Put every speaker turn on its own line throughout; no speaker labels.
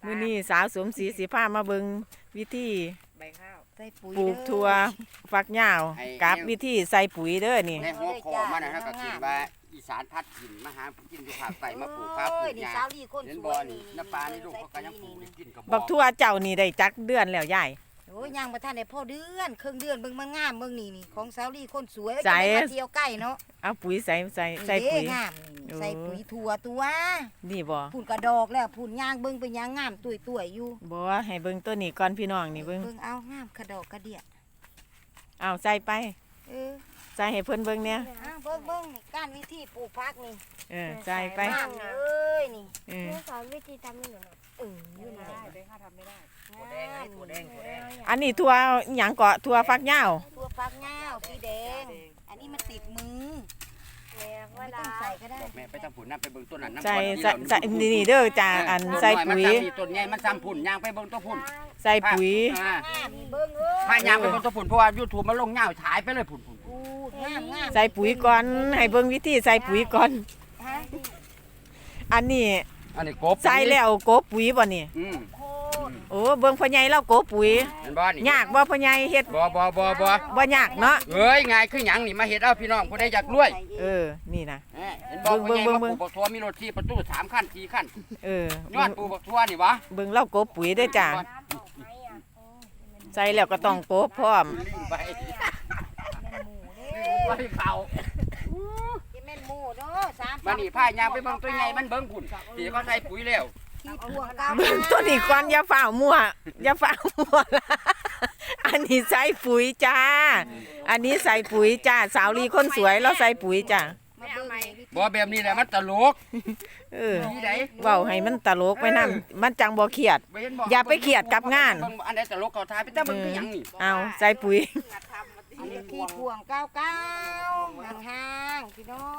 มื้อนี้สาวสมศรีสิพามาเบิ่งวิธี
ใบข้าวใส่ปุ๋ย
ปลูกถั่วฝักยาวกับวิธีใส่ปุ๋ยเด้อนี่
ในหัวคอมันนะฮะก็คิดว่าอีสานพัดกินมาหากินอยู่ภาคใต้มาปลูกข้าวปลูก
นี่
หญ้า
สาวลี่คน
เห็น
ส
บ่
วย
นี่น้ำปลานี่ลูกเขาก็ยังปลูกได้กินกับ
บักทั่วเจ้านี่ได้จักเดือนแล้วยาย
โอ้ยยังบ่ทันได้พอเดือนครึ่งเดือนเบิ่งมันงามเบิ่งนี่ของสาวลี่คนสวย
ใส่
จะได้มาเที่ยวใกล้เนาะ
เอาปุ๋ยใส่ปุ๋ย
นี่เด้งามนี่ใส่ปุ๋ยถั่วตัว
นี่บ่
พุ่นกระดอกแล้วพุ่นย่างเบิ่งเป็นย่างงามตุ้ยๆอยู่
บ่ให้เบิ่งตัวนี้ก่อนพี่น้องนี่เบิ่ง
เบิ่งเอางามกระดอกกระเดีย
เอาใส่ไป
เออ
ใส่ให้เพิ่นเบิ่งเนี่ย
อ้าวเบิ่งนี่การวิธีปลูกผักนี่
ใส่ไป
งามเอ้ยนี่
เออ
แม่สอนวิธีทำให้หนูหน่อย
นี่แหละ
เด้ข้าทำไม่ได้
ถั่วแดงอันนี้ถั่วแดง
อันนี้ทั่วหยังเกาะทั่วฝักยาว
ถั่วฝักยาวสีแดง อันนี้มันติดมือ
แม่เว
ไม่
ลา
ต้องใส่ก็ได้
แม่ไปทำผุนน้ำไปเบิ่งต้นนั้นน้ำ
ใส่นี่เด้อจ้าอันใส่ปุ๋ย
ต้นใหญ่มันซ้ำผุนยางไปเบิ่งต้นผุน
ใส่ปุ๋ย
งามนี่เบิ่งเอ้ย
พายางไปเบิ่งต้นผุนเพราะว่า YouTube มันลงเงาฉายไปเลยผุน
พูดงามงาม
ใส่ปุ๋ยก่อนให้เบิ่งวิธีใส่ปุ๋ยก่อน
ฮะ
อันนี้
อันนี้กบ
ใส่แล้วโกบปุ๋ยบ่นี่
โคตร
โอ้เบิ่งพ่อใหญ่เราโกบปุ๋ย
เห็นบ่นี่
ยากบ่พ่อใหญ่เฮ็ด
บ่
บ่ยากเนาะ
เอ้ยง่ายคือหยังนี่มาเฮ็ดเอาพี่น้องผู้ใดอยากรวย
นี่นะ
เห็นบ่ผู้ใหญ่มาปลูกบักทั่วมีรถที่ประตู3คัน4คัน ยอดปลูกบักทั่วนี่วะ
เบิ่งเราโกบปุ๋ยเด้อจ้าใส่แล้วก็ต้องโกบพร้อม
ลืมไป
เป็นหมูเด้
ไปเขา
จะเป็นหมูเด้อสาม
มานี่พายางไปเบิ่งตัวใหญ่มันเบิ่งผุนที่เขาใส่ปุ๋ยแล้ว
ที่พวงก้าว
เบิ่งตัวนี้ก่อนอย่าฝ่าวมั่วอย่าฝ่าวมั่วละอันนี้ใส่ปุ๋ยจ้า อันนี้ใส่ปุ๋ยจ้าสาวลีคนสวยเราใส่ปุ๋ยจ้า
มาเบิ่งไหม
บ่แบบนี้แหละมันตลก นี่ได
เว้าให้มันตลกไว้นำมันจังบ่เครียด อย่าไปเครียดกับงาน
เบิ่งอันใดตลกเขาทายไปแต่เบิ่งคือหยังนี่
เอาใส่ปุ๋ย
อันนี้ที่พวงก้าวห่างๆพี่น้อง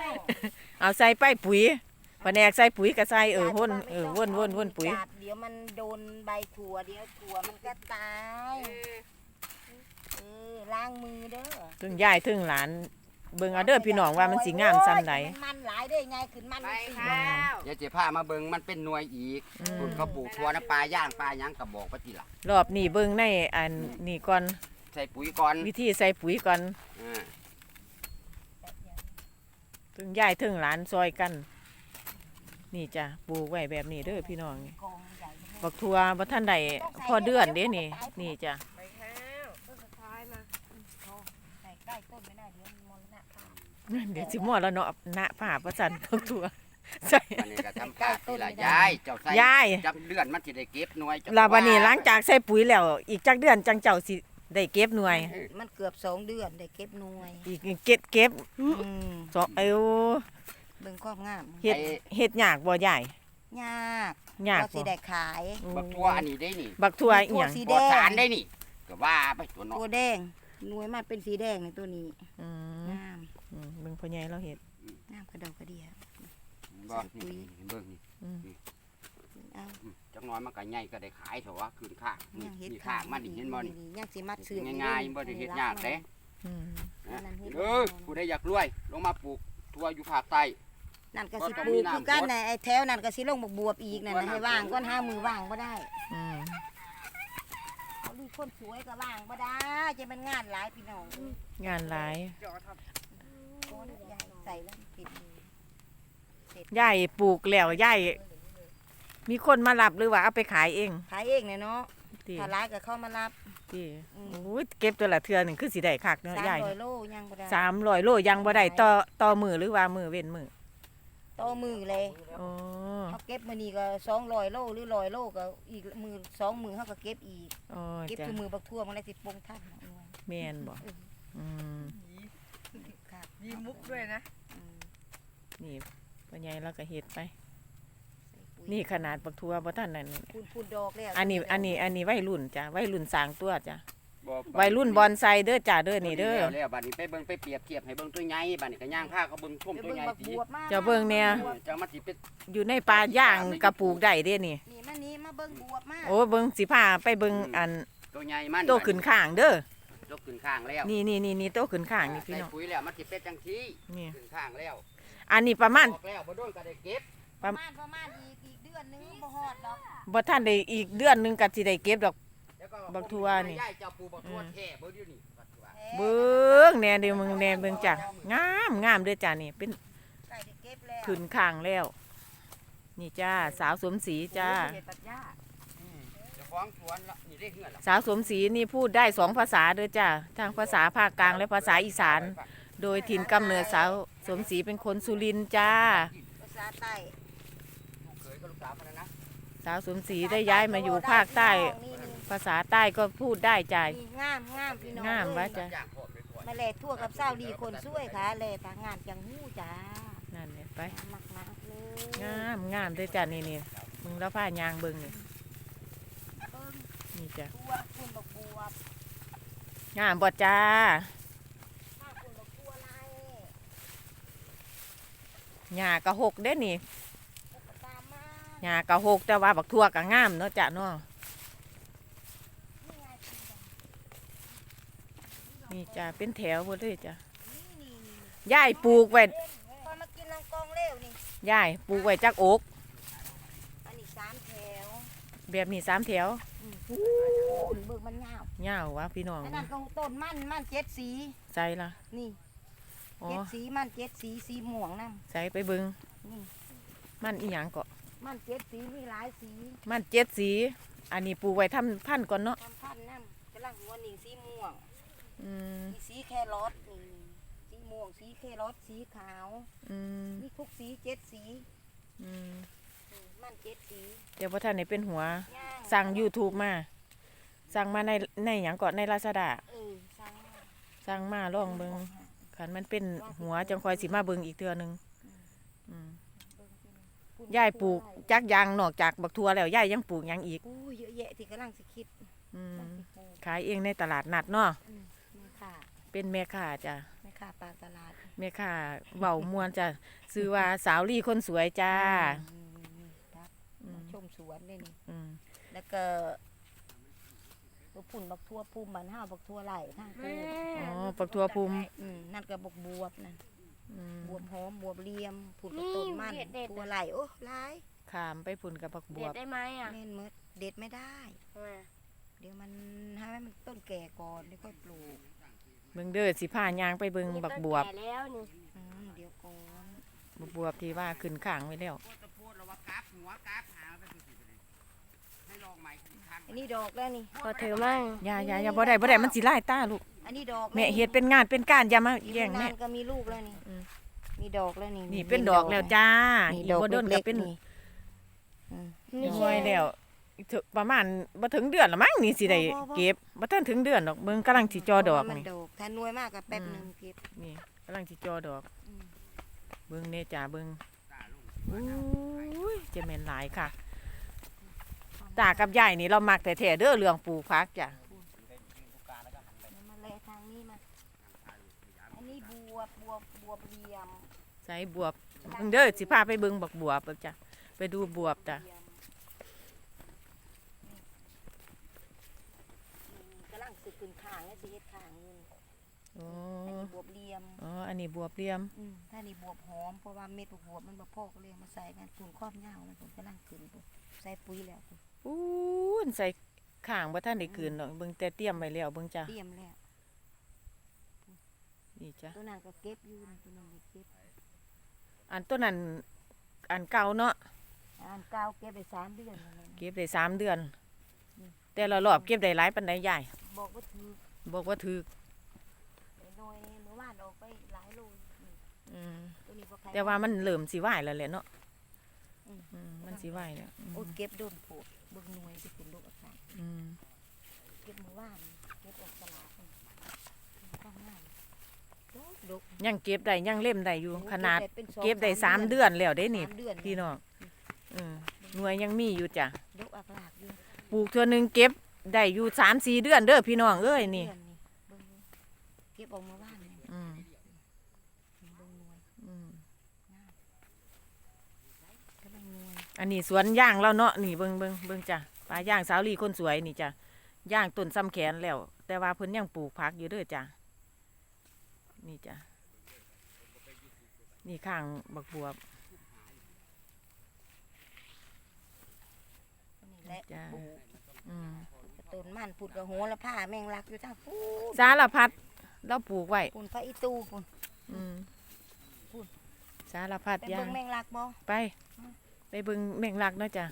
เอาใส่ไปปุ๋ยแผนกใส่ปุ๋ยก็ใส่วนวนปุ๋ย
จัดเดี๋ยวมันโดนใบถั่วเดี๋ยวถั่วมันก็ตายล้างมือเด้อ
ถึงยายถึงหลานเบิ่งเอาเด้อพี่น้องว่ามันสิงามซำใด
มันหลายได้ไงขึ้นมันสิ
เดี๋ยวจะพามาเบิ่งมันเป็นหน่วยอีกผุนเขาปลูกทั่วน้ำปลาย่างปลาหยังก็บอกไปทีหลัง
รอบนี้เบิ่งในอันนี่ก่อน
ใส่ปุ๋ยก่อน
วิธีใส่ปุ๋ยก่อน
อ่า
ถึงยายถึงหลานซอยกัน นี่จ้ะปลูกไว้แบบนี้เด้อพี่น้องนี่
กองใหญ่
บักทัวบ่ทันได้พอเดือนเด้นี่นี่จ้ะ
ใบข้าวต้นสุดท้ายมา
ใส่ใกล้ต้นไม่ได้เดี๋ยวมรณะภาพ
เดี๋ยวสิหมอแล้วเนาะณผ้าประจันบักทัวใส่
อันนี้ก็ทำการทีละยายเจ้าใส่
ยาย
จับเดือนมันสิได้เก็บหน่วยเจ้
ลาบัดนี้หลังจากใส่ปุ๋ยแล้ว อีกจักเดือนจังเจ้าสิได้เก็บหน่วย
มันเกือบ2 เดือนได้เก็บหน่วย
อีกเก็บสอง
เบิ่งความงาม
เฮ็ดยากบ่ยาย
ยาก
ยาก
ก็สิได้ขาย
บักทั่วอันนี้ได้นี่
บักทัวอีหยัง
สี
ป
แด
ลอด
ง
สารได้นี่ก็ว่าไปตัวเนาะ
ตัวแดงหน่วยมันเป็นสีแดงในตัวนี้
อืม
งาม
เบิ่งพ่อใหญ่เราเฮ็ด
งามกระดอกกระเดีย
บ่นี่เบิ่งนี่
เอา
จักหน้อยมันก็ใหญ่ก็ได้ขายเถอะว่าคืนข้างนี่
ยังเฮ็ด
นี่ข้างมันนี่เห็นบ่นี่
ยังสิมัดเสือ
ง่ายๆบ่ได้เฮ็ดยากเด้
อืม
ผู้ใดอยากรวยลงมาปลูกทั่วอยู่ภาคใต้
นั่นก็สิปลูกคือกันน่ะไอ้แถวนั่นก็สิลงบักบวบอีกนั่นน่ะให้ว่างก้อนหามือว่างบ่ได้
อืม
เขาดูคนสวยก็ว่างบ่ได้จะมันงานหลายพี่น้อง
งานหลาย
ก้อนใหญ่ใส่แล้วปิดมือย
ายปลูกแล้วยายมีคนมารับหรือว่าเอาไปขายเอง
ขายเองเนี่ยเนาะ
ติ
ถ้าร้ายก็เข้ามารับ
ติโอ้ยเก็บตัวละเทื่อหนึงคือสิได้คักเนาะยาย
300 โลยังบ่ได้
300 โลยังบ่ได้ต่อมือหรือว่ามือเว้นมือ
ต่อมือเลย
อ๋อ
เขาเก็บมื้อนี้ก็200 โลหรือ100 โลก็อีกมือ2 มือเขาก็เก็บอีก
อ๋อ
เก็บ
จ้ะ
ทุกมือบักทั่วมันเลยสิปงทันหน่วย
แม่นบ่อืม
ครับ
มีมุกด้วยนะ
อืม
นี่พ่อใหญ่เราก็เฮ็ดไป
ใส่ปุ๋ย
นี่ขนาดบักทัวบ่ทันนั่นนี่
พูนดอกแล้ว
อันนี้วัยรุ่นจ้ะวัยรุ่นสร้างตัวจ้ะ
บ่
วัยรุ่นบอนไซเด้อจ้ะเด้อนี่เด้อ
แล้วบัดนี้ไปเบิ่งไปเปรียบเทียบให้เบิ่งตัวใหญ่บัดนี้ก็ย่างผ้าเขาเบิ่งชม
ไป
ตัว
เบิ่ง
ใหญ่
บัก
สิ
บวบมา
เจ้าเบิ่งเนี่ย
จังมันสิเป็น
อยู่ในป่าย่างกระปลูกได้เด้นี่
นี่มานี่มาเบิ่งบวบมา
โอ้เบิ่งสิพาไปเบิ่งอัน
ตัวใหญ่มัน
โตขึ้นข้างเด้อ
โตขึ้นข้างแล้ว
นี่โตขึ้นข้างนี่พี่
ใส่
น้อง
ปุ๋ยแล้วมันสิเป็นจังซี่
นี่
ขึ้นข้างแล้ว
อันนี้ประมาณ
ออกแล้วบ่โดนก็ได้เก็บ
ประมาณอีกเดือนอนนึงบ่ฮอดดอก
บ่ทันได้อีกเดือนหนึงก็สิได้เก็บดอก
แล้วก็
บักทั่วนี่
ยายเจ้าปลูกบักทั่วแท้เบิ่งอยู่นี่บักทั่ว
เบิ่งแหน่เด้อมึงแหน่เบิ่งจ้ะงามงามเด้อจ้ะนี่เป็น
ใกล้ได้เก็บแล้ว
ขึ้นข้างแล้ว นี่จ้าสาวสมศรีจ้า
เจ้าของสวนละนี่ได้เฮือนละ
สาวสมศรีนี่พูดได้2 ภาษาเด้อจ้าทางภาษาภาคกลางและภาษาอีสาน โดยถิ่นกำเนิดสาวสมศรีเป็นคนสุรินทร์จ้า
ภาษาใต้
ลูกเขยกับลูกสาวมันนะ
สาวสมศรีได้ย้ายมาอยู่ภาคใต้
นี่
ภาษาใต้ก็พูดได้จ้า
นี่งามงามพี่น้อง
งามวะ
เอ้ย
จ้ะ
ย่างพอไปก่อน
มาแลทั่วกับเศร้าดีคนช่วยค่ะแลปางานจังหู้จ้า
นั่นเนี่ยไป
มากมากๆเลย
งามงามเด้อจ้านี่นี่มึงแล้วผ้ายางเบิ่งนี่
เบิ่ง
นี่จ้ะ
ตัวคุณบักบัว
งามบ่จ้า
ถ้าคุณบักบัวลาย
หญ้ากะหกเด้อนี่
ก็ตามมา
หญ้ากะหกแต่ว่าบักทั่วกะงามเนาะจ้ะเนาะ
นี่ไงคุณบัก
นี่จ้ะเป็นแถวหมดเลยจ้ะ
นี่
ยายปลูกไว้
พอมากินลังกองเร็วนี่
ยายปลูกไว้จักอก
อันนี้3แถว
แบบนี้3 แถว
คุณเบิ่งมันยาว
ยาววะพี่น้อง
อันนั้นก็ต้นมัน7สี
ใส่ละ
นี่
อ๋อ
7สีมัน7สีสีม่วงนำ
ใส่ไปเบิ่ง
นี่
มันอีหยังก็
มัน7สีมีหลายสี
มัน7 สี อันนี้ปลูกไว้ทำพันธุ์ก่อนเนาะ
ทำพันธุ์นำกำลังหัวนี่สีม่วง
อืม
มีสีแครอทนี่สีม่วงสีแครอทสีขาว
อืม
มีทุกสี7สี
อืม
มัน7สี
เดี๋ยวพอท่านไหนเป็นหัว
ย่าง
สั่ง YouTube มา สั่งมาในหยังก่อนใน Lazada
สั่งมา
สั่งมาลองเบิ่งคันมันเป็นหัวจังคอยสิมาเบิ่งอีกเทื่อหนึงอืม
ปุ่น
ยายปลูกจักอยางนอกจากบักทั่วแล้วยายยังปลูกหยังอีก
อู้เยอะแยะที่กำลังสิคิด
อืม
กำลังสิปลูก
ขายเองในตลาดนัดเนาะ
แม่ค่ะ
เป็นแม่ค้าจ้ะ
แม่ค่ะปลาตลาด
แม่ค้าเว้ามวนจ้ะชื่อว่าสาวลี่คนสวยจ้า
นี่ครับ
อื
มาม ชมสวนเลยนี่
อืม
แล้วก็ปุ่นบักทั่วภูมิบ้านเฮาบักทั่วไหลทางกูด
อ๋อปักทั่วภูมิ
นั่นก็บักบวบนั่น
อืม
บวบหอมบวบเหลี่ยมผุดกระต้นมันทั่วไหลโอ้หลาย
ขามไปพุ่นกับบักบ
เด็
ว
ด
บ
ได้ไหมอ่ะ
แม่นหมดเด็ดไม่ได้
ทำไม
เดี๋ยวมันให้มันต้นแก่ก่อนเดี๋ยวค่อยปลูก
เบิ่งเด้อสิพายางไปเบิ่งบักบวบ
แก่แล้วนี่
เดี๋ยวก่อน
บักบวบที่ว่าขึ้นข้างไว้แล้ว
โคตรโพดแล้วว่ากราฟหัวกราฟหางไปสุดๆเลยให้ลองใหม่อีกครั้ง
อันนี้ดอกแล้วนี่
พอถือมั่ง
อย่าบ่ได้มันสิลายตาลูก
อันนี้ดอก
แม่เฮ็ดเป็นงานเป็นการอย่ามา
อีก
แย่ง
ไม่
แม่
นานก็มีลูกแล้วนี่
อืม
มีดอกแล้วนี่
นี่เป็นดอกแล้วจ้า
นี่
อีก
ดอก
บ่โดนก็
เล็ก
เป็น
ๆนี่อืม
นี่
หน่วยแล้วอีกเถอะประมาณบ่ถึงเดือนละมั้งนี่สิได้เก็บบ่ทันถึงเดือนดอกเบิ่งกำลังสิจอดอก
มัน
นี่
ดอกถ้าหน่วยมากก็แป๊บหนึงเก็บ
นี่กำลังสิจอดอก
อืม
เบิ่งเน่จ้าเบิ่งอุ้ยจะแม่นหลายค่ะ ตากับยายนี่เรามักแต่แท้ๆเด้อเรื่องปลูกผักจ้ะ
เดี๋ยวมาแลทางนี้มาอันนี้บวบเหลี่ยม
ใส่บวบเบิ่งเด้อสิพาไปเบิ่งบักบวบเบิ่งจ้ะไปดูบวบจ้ะ
เหลี่ยมนี่กำลังสึกขึ้นข้างแล้วสิเฮ็ดข้างอยู่นี่
อ๋อ
อันนี้บวบเหลี่ยม
อ๋ออันนี้บวบเหลี่ยม
ถ้านี่บวบหอมเพราะว่าเม็ดบวบมันบ่พอก็เลยเอามาใส่กันปุ่นครอบยาวมันผมกำลังขึ้นปุ่นใส่ปุ๋ยแล้วปุ่น
อู้นใส่ข้างบ่ทันได้คืนดอกเบิ่งแต่เตรียมไว้แล้วเบิ่งจ้ะ
เตรียมแล้ว
นี่จ้ะ
ตัวนั้นก็เก็บอยู่ตัวนั้นก็เก็บ
อันต้นนั้นอันเก่าเนาะ
อันเก่าเก็บไป3เดือนแล้วนะ
เก็บได้3 เดือน แต่ละรอบเก็บได้หลายปานใดยาย
บอกว่าถือ
บอกว่าถูก
น้อยเมื่อวานออกไปหลายโลนี่
อืม
ตัวนี้บ่ใคร
แต่ว่ามันเริ่มสิไหวแล้วแหละเนาะ
อืม
มันสิไหวแล้ว
โอ้เก็บโดนโผดเบิ่งหน่วยสิเป็นลูกอากาศ
อืม
เก็บเมื่อวานเก็บออกตลาดนี่ข้างหน้าดก
ยังเก็บได้ยังเล่มได้อยู่ขนาด
เป็น2-3
เก็บได้3 เดือนแล้วได้นี่
3เดือน
พี่น้องหน่วยยังมีอยู่จ้ะ
ดกอักลากอยู่
ปลูกเทื่อหนึงเก็บได้อยู่3-4 เดือนเด้อพี่น้องเอ้ยนี่
เดือเบิ่งเก็บออกเมื่อวานนี่
อืม
เบิ่งหน่วย
อืม
กำลังหน่วย
อันนี้สวนย่างแล้วเนาะนี่เบิ่งจ้ะปลาย่างสาวลีคนสวยนี่จ้ะย่างต้นซ้ำแขนแล้ว แต่ว่าเพิ่นยังปลูกผักอยู่เด้อจ้ะนี่จ้ะนี่ข้างบักบวบจ้า
ปลูก
อืม
กระต้นมันพูดกระโหระพาแมงลักอยู่ทางพูด
สารพัดเราปลูกไว้
ปุ่นพระอีตูปุ่น
อืม
พูด
สารพัด
ไป
อย่า
เบิ่
ง
งแมงลักบ่
ไปเบิ่งแมงลักเนาะจ้ะ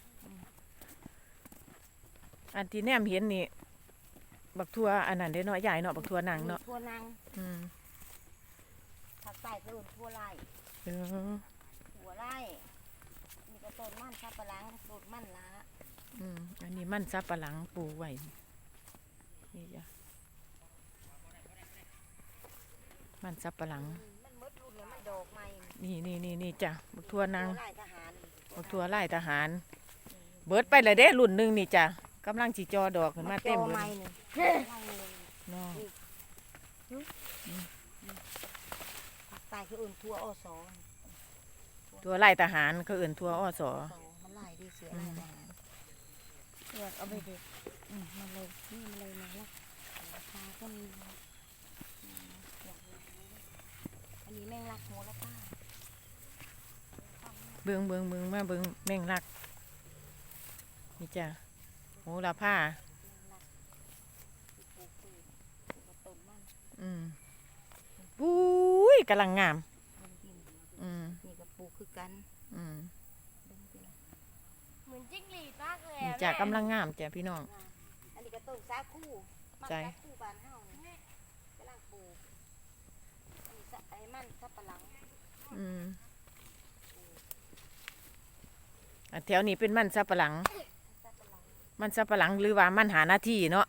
อันที่แนมเห็นนี่บักทั่วอันนั้นเด้เนาะใหญ่เนาะบักทั่วนางเนาะ
ทั่วนัง
อืม
ภาคใต้ก็เอิ้นทั่วไร่
เออ
หัวไร่มีกระต้นมันสับปะหลังต้นมันละ
อืมอันนี้มันสับปะหลังปลูกไว้นี่จ้ะมันสับปะหลัง
มันมดรุ่นแล้วมันดอกใหม่
นี่จ้ะบักทั่วนาง
ไร่ทหาร
บักทั่วไล่ทหาร เบิดไปเลยเด้รุ่นหนึงนี่จ้ะกำลังสิจอดอกขึ้นมาเต็ม
จอ
เล
ใหม่
ย
นี่
เนาะ
ภาคใต้คือเอิ้นทั่วอส
ทั่วไล่ทหารเขาเอื่นทั่วอ้อสอ
มันไล่ดีเสือไล่ทหารเลือกเอาไปเด็ดมันเลยนี่มันเลยมาแล้วราคาก็มีอันนี้แมงลักโหระพา
เบิ่งมาเบิ่งแมงลักนี่จ้ะโหระพา
ปลูกพืชปลูกกระต้นมัน
อืมปุ้ยกำลังงาม
มันกิน
อืม
นี่ก็ปลูกคือกัน
อืม
เบิ่งสิล่ะ
เหมือนจิ้งหรีดมากเลย
นี่
อะ
จ้ะ
แม่
กำลังงามจ้ะพี่น้อง
อันนี้ก็ต้นสาคูมัน
ใจ
สาคูบ้านเฮานี่กำลังปลูกอันนี้ไอ้มันสับปะหลัง
อืมอันแถวนี้เป็นมันสับปะหลัง
สับปะหลัง
มันสับปะหลังหรือว่ามันหาหน้าที่เนาะ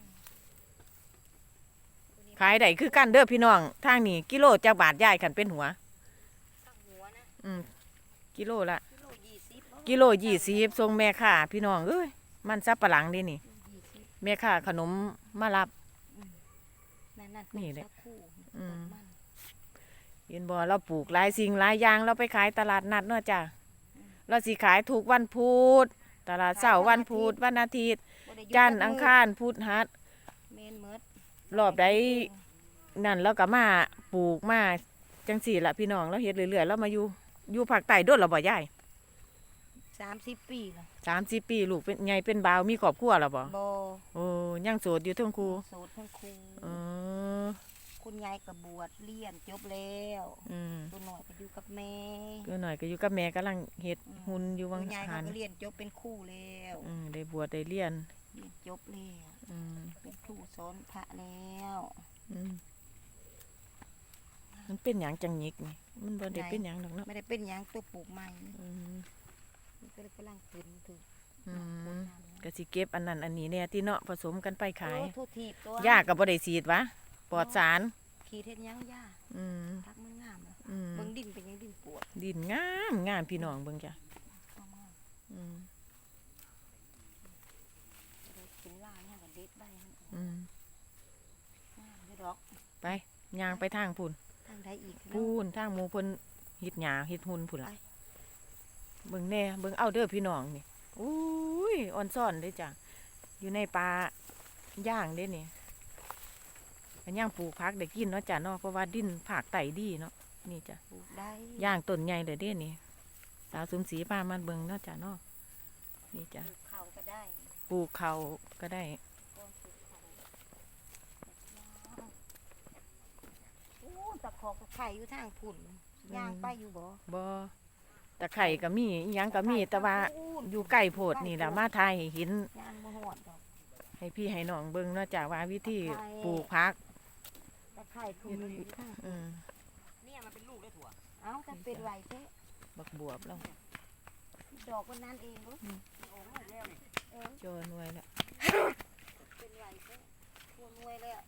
ขายได้คือกันเด้อพี่น้องทางนี้กิโลจักบาทย่ายขันเป็นหัว
ข้างหัวนะ
อืมกิโลละ
กิโล20เนาะ
กิโล20ส่งแม่ค้าพี่น้องเอ้ยมันสับปะหลังเด้นี่
20
แม่ค้าขนมมารับ
นั่นนั่น
นี่แหละ
สาคู
อืม
ต้นมัน
เห็นบ่เราปลูกหลายสิ่งหลายอย่างเราไปขายตลาดนัดเนาะจ้ะเราสิขายถูกวันพุธตลาดเสาร์วันพุธวันอาทิตย์
บ่ได้หยุด
จันทร์
จัก
อัง
มื้
คารพุธฮัด
เมนเมิด
รอบใดนั่นแล้วก็มาปลูกมาจังสี่ละพี่น้องเราเฮ็ดเรื่อยๆแล้วมาอยู่ภาคใต้โดดเราบ่ยาย
30 ปีแล้ว
30 ปีลูกเป็นไงเป็นบ่าวมีครอบครัวแล้วบ่
บ่
โอ้ยังโสดอยู่เทั้งคู่
โสดทั้งคู่
เออ
คุณยายก็บวชเรียนจบแล้ว
อืม
ตัวหน่อยก็อยู่กับแม่
ก็หน่อยก็อยู่กับแม่กำลังเฮ็ดหุ่นอยู่วัง
คุณยาย
หั
เขา
น
ก็เรียนจบเป็นครูแล้ว
ได้บวชได้เรียน
เรียนจบแล้ว
อืม
เป็นครูสอนพระแล้ว
อืมมันเป็นหยังจังหยิกนี่มันบ่ได้เป็นหยังดอกเนาะ
ไม่ได้เป็นหยังตัวปลูกใหม่
อืม
มันก็เลยกำลังขึ้นถึง
อืมก็สิเก็บอันนั้นอันนี้เนี่ยที่เนาะผสมกันไปขาย
ทุทีบตัว
ย่าก็บ่ได้ฉีดวะปลอดสาร
ขีดเฮ็ดหยังย่า
อืม
พักมันงามแล้ว
อืม
เบิ่งดินเป็นหยังดินปวด
ดินงามพี่น้องเบิ่งจ้ะ
เอามา
อืม
จะได้กินลายเนี่ยก็เด็ดใบมันออก
อืม
งามอยู่ดอก
ไปย่างไปทางพุ่น
ทางใดอีก
พูนทางหมู่เพิ่นเฮ็ดหญ้าเฮ็ดหุ่นพุ่นล่ะ
ไป
เบิ่งแน่เบิ่งเอาเด้อพี่น้องนี่อุ้ยอ่อนซ่อนเด้อจ้ะอยู่ในป่าย่างเด้นี่อันย่างปลูกผักได้กินเนาะจ้ะเนาะเพราะว่าดินภาคใต้ดีเนาะนี่จ้ะ
ปลูกได้
ย่างต้นใหญ่เลยเด้นี่สาวสมศรีพามันเบิ่งเนาะจ้ะเนาะนี่จ้ะ
ปลูกข้าวก็ได้
ปลูกเขาก็ได้
ก้อนปลูกข้าวโอ้ตะขอกตะไคร่อยู่ทางพุ่นย่างไปอยู่บ่
บ่ตะไคร่ก็มีอิหยังก็มีแต่ว่าอยู่ใกล้โพดนี่ล่ะมาทายให้เห็น
ย่างบ่ฮอดดอก
ให้พี่ให้น้องเบิ่งเนาะจ้ะว่าวิธี
ตะไคร้
ปลูกผัก
ตะไคร่ทุ่มอยู่ข้าง
อืม
เนี่ยมันเป็นลูกได้ถั่ว
เอ้าถ้าเป็นไหวแท้
บักบวบแล้ว
ดอกคนนั้นเองบ่
โอ้โหแล้วนี่
เออ
จอหน่วยแล้ว
เป็นไหวแท้ควรรวยแล้ว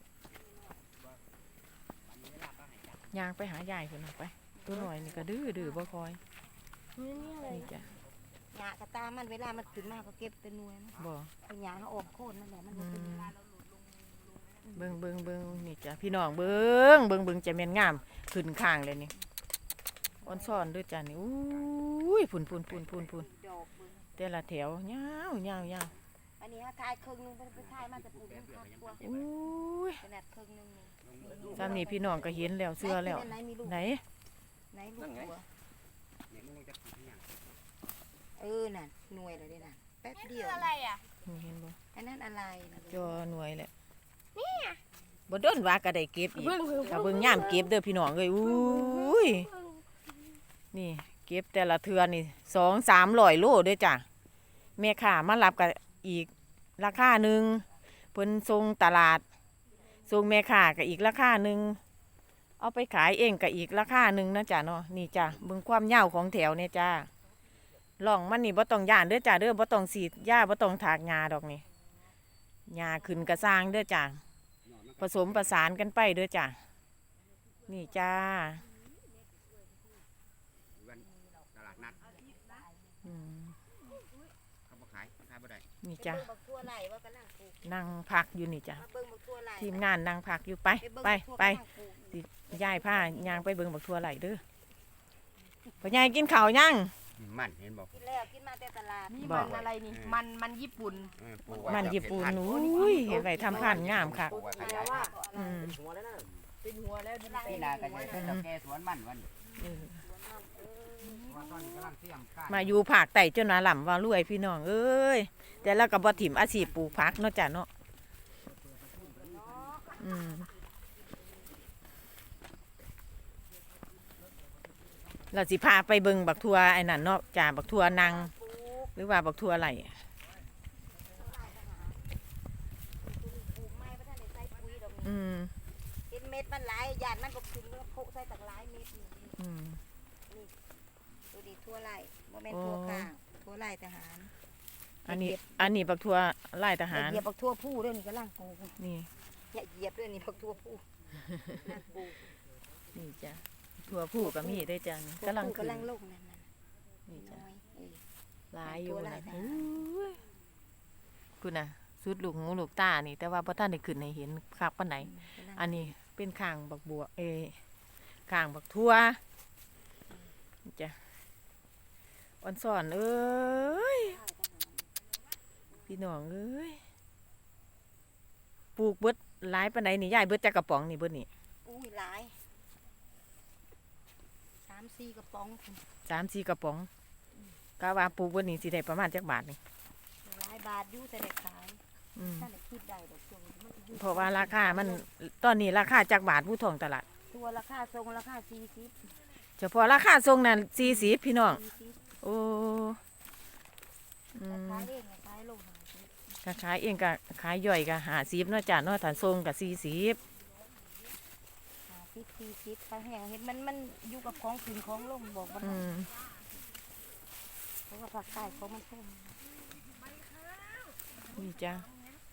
วันนี้เวลาก็ให้จับ
ย่างไปหายายพุ่นน่ะไป ตัวหน่อยนี่ก็ดื้อบ่คอย
นี่อะไร
นี่จ้ะ
หญ้ากระตามันเวลามันขึ้นมาก็เก็บแต่หน่วยนะ
บ่
เอาหญ้าเขาออกโค่นนั่นแหละมันบ่เป็น
อืม
เวลาเราหลุดลง
เบิ่งนี่จ้ะพี่น้องเบิ่งจะแม่นงามขึ้นข้างเลยนี่อ่อนซ่อนด้วยจ้ะนี่อุ้ยพุ่น
ดอกเบิ่ง
แต่ละแถวยาว
อันนี้เขาทายครึ่งหนึงไปทายมาจะปลูกมันครอบครัว
อุ้ย
ขนาดครึ่งหนึงนี่
ซ้ำนี่พี่น้องก็เห็นแล้วเสื้อแล้ว
ไหนมีลูก
ไหน
ไหนลูกตัว
เนี่ยมึงจะกินอย่าง
เออนั่นหน่วยเลยเด้น่ะแป๊บ
นี่
เดี
คื
ยว
ออะไรอ่ะ
นี่เห็นบ่
อันนั้นอะไรนะ
จอหน่วยแหละบ่โดนว่าก็ได้เก็บอีกถ้าเบิ่งย่ามเก็บเด้อพี่น้องเอ้ยอุ้ยนี่เก็บแต่ละเทื่อนี่200-300โลเด้อจ้ะแม่ค้ามารับก็อีกราคาหนึงเพิ่นส่งตลาดส่งแม่ค้าก็อีกราคาหนึงเอาไปขายเองก็อีกราคาหนึงนะจ้ะเนาะนี่จ้ะเบิ่งความยาวของแถวเนี่ยจ้าล่องมันนี่บ่ต้องย่านเด้อจ้ะเด้อบ่ต้องฉีดยาบ่ต้องถากหญ้าดอกนี่หญ้าขึ้นกระสร้างเด้อจ้ะผสมประสานกันไปเด้อจ้ะนี่จ้า
วันตลาดนัด
อืม
เขาบ่ขายบ่ได้
นี่จ้ะ
เบิ่งบักทั่วไหลว่ากำลังปลูก
นั่งพักอยู่นี่จ้ะ
มาเบิ่งบักทั่วไหล
ทีมงานนั่งพักอยู่ไป
เบิ่ง
ไป
บักทั่ว
ไป
กำลังปลูก
สิย้ายผ้ายางไปเบิ่งบักทั่วไหลเด้อพ่อใหญ่กินข้าวยัง
มันเห็นบอก
กินแล้วกินมาแต่ตลาด
นี่
บ
มั
อก
นอะไรนี่ มันญี่ปุ่น
ปลูกไว้
มัน
จะ
ญี่ปุ่น
เป็พัธุ์
อุ้ยเห็นไว้ทำพันธุ์งามค่ะ
ปลูกไว้ขยายพันธุ์
อืม
เป็นหัวแล้วดิน
พี่นาก็จะเป็นดอกแก่สวนมันวันนี้
เออ
ว่าตอนนี้กำลังเตรียมการ
มาอยู่ภาคใต้จนว่าหล่ำว่ารวยพี่น้องเอ้ยแต่แล้วก็บ่ถิ่มอาชีพปลูกผักเนาะจ้ะเนาะอืมเราสิพาไปเบิ่งบักทัวไอ้นั่นเนาะจ้าบักทัวนางหรือว่าบักทัวไหล
ปลูกไม้บ่ทันได้ใส่ปุ๋ยดอกนี่
อืม
เห็นเม็ดมันหลายหยาดมันก็ขึ้นแล้วโพะใส่ตักหลายเม็ดนี่
อืม
ดูดิทั่วไหลบ่แม่นทั่วกลางทั่วไหลทหาร
อันนี้บักทัวไล่ทหาร
เหยียบบักทั่วผู้เด้อนี่กำลังปลูก
นี่
อย่าเหยียบเด้อนี่บักทั่วผู้นั่งปลูก
นี่จ้ะทัวผู้ก็มีได้จ้ะนี่กำลังขึ้น
กำลังลงนั่นน่ะ
นี่จ้ะ
น้อย
หลายอยู่
ตัวหลา
นะ
ยทหาร
อุ้ยคุณน่ะสุดลูกหูลูกตานี่แต่ว่าบ่ทันได้ขึ้นให้เห็นคักปานไหน อันนี้เป็นข้างบักบัวข้างบักทั่วนี่จ้ะอ่อนสอนเอ้ยพี่น้องเอ้ยปลูกเบิดหลายปานใดนี่ยายเบิดจักกระป๋องนี่เบิดนี่
อุ้ยหลาย3-4กระป๋องพุ่น
3-4กระป๋องกะว่าปลูกเบิดนี่สิได้ประมาณจักบาทนี่
หลายบาทอยู่แต่ได้ขาย
อืม
ถ้าได้คิดได้ดอกช่วงนี้มันสิอยู่
เพราะว่าราคามันตอนนี้ราคาจักบาทผู้ทองตลาด
ตัวราคาทรงราคา40
เฉพาะราคาทรงนั้น40พี่น้อง
40
โอ้อืม
ขายเองขายลง50
ก็ขายเองก็ขายย่อยก็50เนาะจ้ะเนาะถ้าทรงก็40
40ขายแห้งเห็นมันอยู่กับของขึ้นของลงบอกว่า
อืม
เพราะว่าภาคใต้ของมันพุ่ม
นี่จ้ะ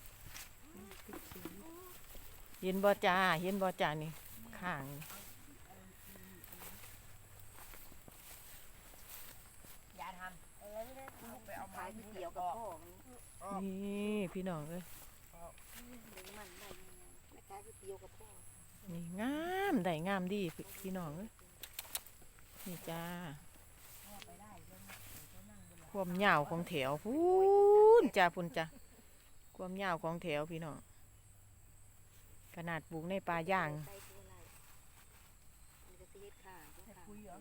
เห็นบ่จ้าเห็นบ่จ้านี่ข้างนี่
อย่าทำไปเอา
ขายก๋วยเตี๋ยวกับพ่อมัน
นี่พี่น้องเอ้ย
ดึงมันได้ยังไงแม่ขายก๋วยเตี๋ยวกับพ่อ
นี่งามได้งามดีพี่น้องเอ้ยนี่จ้าความยาวของแถวพูนจ้าพุ่นจ้าความยาวของแถวพี่น้องขนาดปลูกในป่าย่าง
ใส่ตัวอะไรมันก็สิเฮ็ดข้างข้าง
คุยเหรอ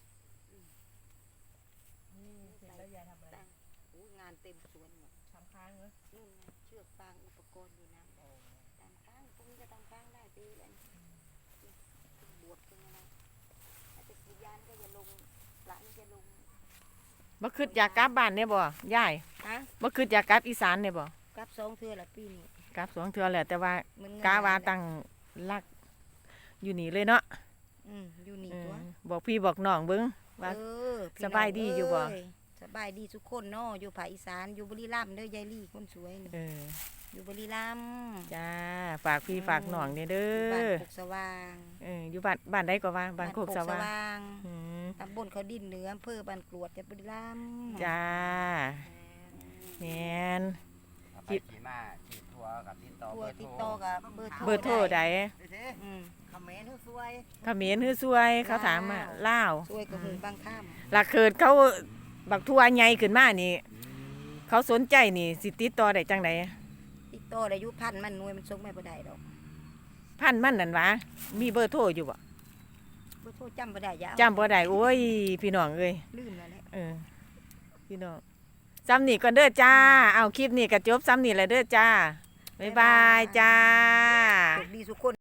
นี่เสร็จแล้วยายทำอะไร
โอ้งานเต็มสวนหมด
ทำค้างเหรอ
นู่นไงเชือกฟางอุปกรณ์อยู่นะตามข้างตรงนี้ก็ตามข้างได้ไปเลยบวชตรงอะไรถ้าจะกินยานก็อย่าลงหลังจะลง
บ่คิดอยากกลับบ้านเนี่ยบ่ยาย
ฮะ
บ่คิดอยากกลับอีสานเนี่ยบ่
กลับ2เทื่อละปีนี้
กลับ2 เทื่อแหละแต่ว่า
มัน
กาว่าตั้งรักอยู่นี่เลยเนาะ
อยู่นี่
เอ
ตัว
อบอกพี่บอกน้องเบิ่งว่า
พี่
สบายดีอยู่บ่
น้งเสบายดีทุกคนเนาะอยู่ภาคอีสานอยู่บุรีรัมย์เด้อยายลี่คนสวยนี่
เออ
อยู่บุรีรัมย์
จ้าฝากพี่ฝากน้องเนี่ยเด้
บ้าน
อ
โคกสว่าง
อยู่บ้านใดก็ว่าบ้านโคกสว่าง
ง
อืม
ตำบลเขาดินเหนืออำเภอบ้านกรวดจังหวัดบุรีรัมย์
จ้าแม่น
เอาไปขี่มาขี่ทัวร์กับติดต่อ
ทัว
เบอ
ร์
ร์
ติด
โทร
ต่อกับเบอร์
เบอร์โทรใด
อืม
คอมเมนต์สวย
เขมรฮือซวยเขาถามมาลาว
ช่วยกับหูบางข้าม
หลักเกิดเขาบักทัวใหญ่ขึ้นมานี่ เขาสนใจนี่สิติดต่อได้จังได
ติดต่อได้อยู่พันมันหน่วยมันส่งไม่ได้ดอก
พันมันนั่นวะมีเบอร์โทรอยู่บ่
เบอร์โทรจำบ่ได้อยาเอา
จำบ่ได้โอ้ยพี่น้องเอ้ย
ลืมแล้วแหละ
เออพี่น้องซ้ำนี่ก่อนเด้อจ้า เอาคลิปนี้ก็จบซ้ำนี่แหละเด้อจ้า บ๊ายบายจ้า
โชคดีทุกคน